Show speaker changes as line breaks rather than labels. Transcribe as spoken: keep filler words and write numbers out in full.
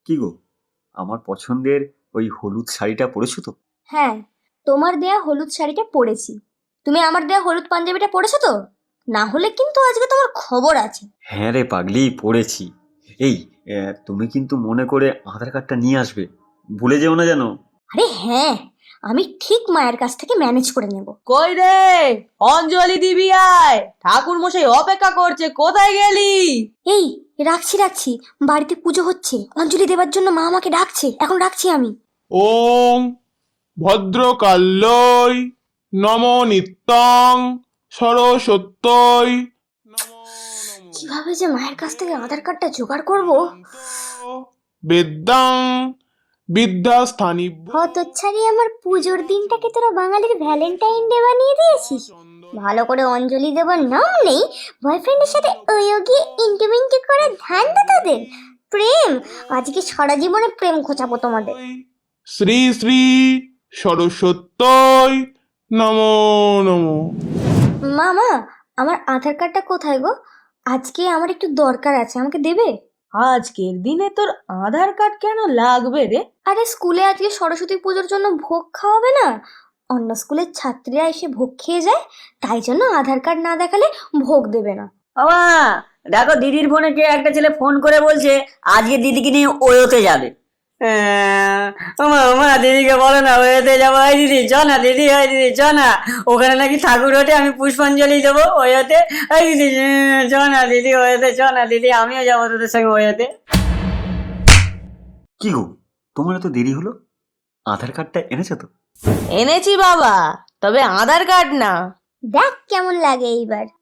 কি গো, আমার পছন্দের ওই হলুদ শাড়িটা পরেছো তো?
হ্যাঁ, তোমার দেয়া হলুদ শাড়িটা পরেছি। তুমি আমার দেয়া হলুদ পাঞ্জাবিটা পরেছো তো? না হলে কিন্তু আজকে তোমার খবর আছে।
হ্যাঁ রে পাগলি, পড়েছি। এই আহ, তুমি কিন্তু মনে করে আধার কার্ডটা নিয়ে আসবে, ভুলে যেও না যেন।
আরে হ্যাঁ, আমি ঠিক মায়ের কাছ থেকে ম্যানেজ করে নেব।
কই রে, অঞ্জলি দিবি আয়, ঠাকুর মশাই অপেক্ষা করছে, কোথায় গেলি?
এই রাখছি রাখছি, বাড়িতে পুজো হচ্ছে, অঞ্জলি দেবার জন্য মা আমাকে ডাকছে, এখন রাখছি আমি।
ওং ভদ্রকাল্যই নম নিত্যং সরস্বত্যই নমো নমঃ।
কিভাবে যে মায়ের কাছ থেকে আধার কার্ডটা জোগাড় করব।
বেদাং বিদ্যাস্থানী
হতচ্ছাড়ি, আমার পুজোর দিনটাকে তোরা বাঙালির ভ্যালেন্টাইন ডে বানিয়ে দিয়েছিস। ভালো করে অঞ্জলি দেবার নাম নেই, বয়ফ্রেন্ডের সাথে ওইও গিয়ে ইন্টুমিন্টু করে ধান্দা তোদের। প্রেম, আজকে সারা জীবনে প্রেম খোঁচাবো তোমাদের।
শ্রী শ্রী সরস্বত্যই নমো নমঃ।
মামা, আমার আধার কার্ডটা কোথায় গো? আজকে আমার একটু দরকার আছে, আমাকে দেবে?
আজকের দিনে তোর আধার কার্ড কেন লাগবে রে?
আরে স্কুলে আজকে সরস্বতী পুজোর জন্য ভোগ খাওয়াবে না? অন্য স্কুলের ছাত্রীরা এসে ভোগ খেয়ে যায়, তাই জন্য আধার কার্ড না দেখালে ভোগ দেবে না।
বাবা, দেখো দিদির ফোনে কে একটা ছেলে ফোন করে বলছে আজকে দিদিকে নিয়ে ওয়োতে যাবে। আহ, ওমা ওমা, দিদিকে বলো না ওয়োতে যাবো। হয় দিদি চ না, দিদি হয় দিদি চ না, ওখানে নাকি ঠাকুর ওঠে, আমি পুষ্পাঞ্জলি দেবো ওয়োতে। হয় দিদি উম, চ না দিদি ওয়োতে, চ না দিদি, আমিও যাবো তোদের সঙ্গে ওয়োতে।
কি গো, তোমার এত দেরি হলো? আধার কার্ডটা এনেছো তো?
এনেছি বাবা, তবে আধার কার্ড না।
দেখ কেমন লাগে এইবার।